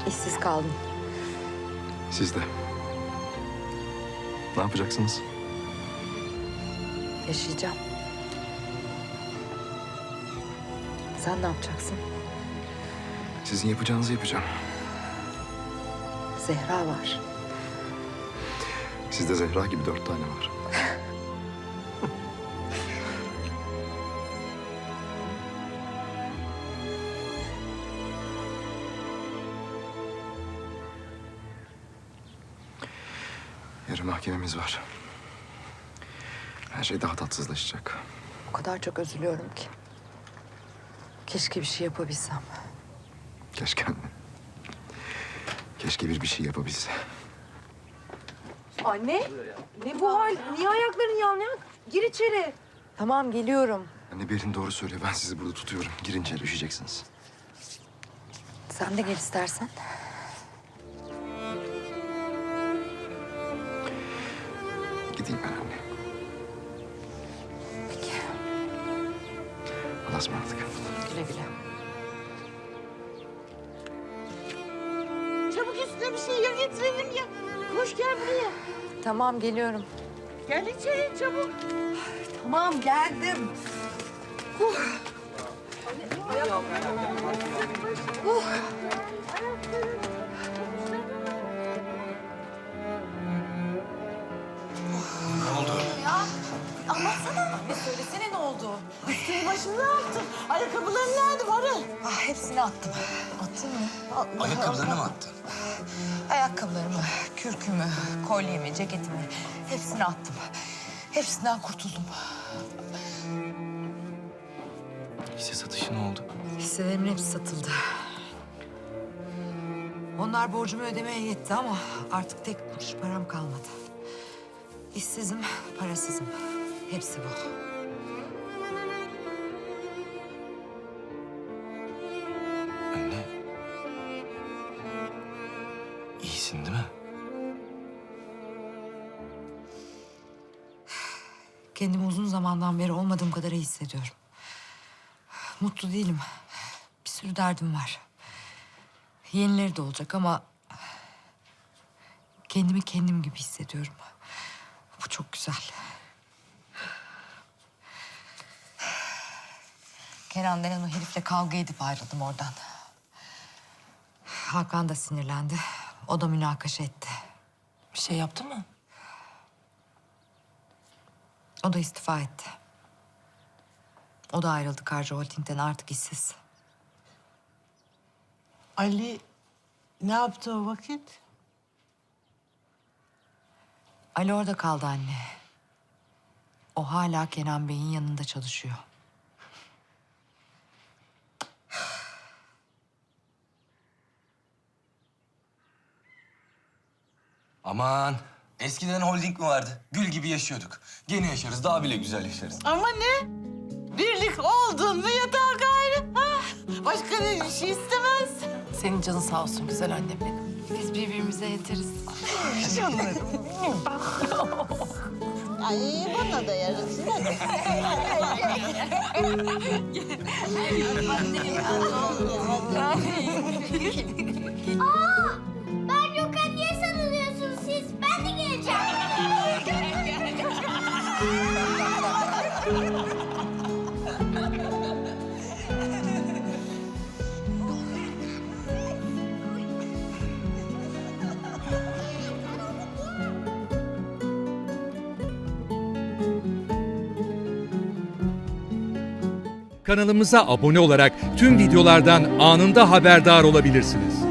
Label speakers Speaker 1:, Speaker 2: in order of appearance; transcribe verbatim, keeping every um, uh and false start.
Speaker 1: İşsiz kaldım.
Speaker 2: Siz de. Ne yapacaksınız?
Speaker 1: Yaşayacağım. Sen ne yapacaksın?
Speaker 2: Sizin yapacağınızı yapacağım.
Speaker 1: Zehra var.
Speaker 2: Sizde Zehra gibi dört tane var. Yarın mahkememiz var. Her şey daha tatsızlaşacak.
Speaker 1: O kadar çok üzülüyorum ki. Keşke bir şey yapabilsem.
Speaker 2: Keşke anne. Keşke bir bir şey yapabilse.
Speaker 3: Anne, ne bu hal? Niye ayakların yanıyor? Gir içeri.
Speaker 1: Tamam, geliyorum.
Speaker 2: Anne Berin doğru söylüyor. Ben sizi burada tutuyorum. Girin içeri, üşüyeceksiniz.
Speaker 1: Sen de gel istersen.
Speaker 2: Gideyim ben anne.
Speaker 1: Peki,
Speaker 2: Allah'a ısmarladık.
Speaker 1: güle güle.
Speaker 3: Çabuk üstüne bir şey ya getirelim ya. Koş gel buraya.
Speaker 1: Tamam, geliyorum.
Speaker 3: Gel içeri çabuk. Tamam geldim.
Speaker 1: Söylesene ne oldu?
Speaker 3: Üstünü başını ne yaptın? Ayakkabıların nerede varı?
Speaker 1: Ah, hepsini attım. Attın mı?
Speaker 4: Ayakkabılarını mı attın?
Speaker 1: Ayakkabılarımı, kürkümü, kolyemi, ceketimi hepsini attım. Hepsinden kurtuldum.
Speaker 4: Hisse satışı ne oldu?
Speaker 1: Hisselerimin hepsi satıldı. Onlar borcumu ödemeye yetti ama artık tek kuruş param kalmadı. İşsizim, parasızım. Hepsi bu.
Speaker 4: Anne. İyisin değil mi?
Speaker 1: Kendimi uzun zamandan beri olmadığım kadar iyi hissediyorum. Mutlu değilim. Bir sürü derdim var. Yenileri de olacak ama... kendimi kendim gibi hissediyorum. Bu çok güzel. Kenan denen o herifle kavga edip ayrıldım oradan. Hakan da sinirlendi. O da münakaşa etti.
Speaker 5: Bir şey yaptı mı?
Speaker 1: O da istifa etti. O da ayrıldı Karca Holding'den, artık işsiz.
Speaker 5: Ali ne yaptı o vakit?
Speaker 1: Ali orada kaldı anne. O hala Kenan Bey'in yanında çalışıyor.
Speaker 4: Aman. Eskiden holding mi vardı? Gül gibi yaşıyorduk. Gene yaşarız, daha bile güzel yaşarız.
Speaker 5: Ama ne? Birlik oldun mu yatağa gayrı. Ha? Başka ne bir şey istemez.
Speaker 6: Senin canın sağ olsun güzel annem benim.
Speaker 1: Biz birbirimize yeteriz.
Speaker 3: Ay bana da yarasın.
Speaker 7: Ben yokken niye sarılıyorsunuz siz? Ben de geleceğim.
Speaker 8: Kanalımıza abone olarak tüm videolardan anında haberdar olabilirsiniz.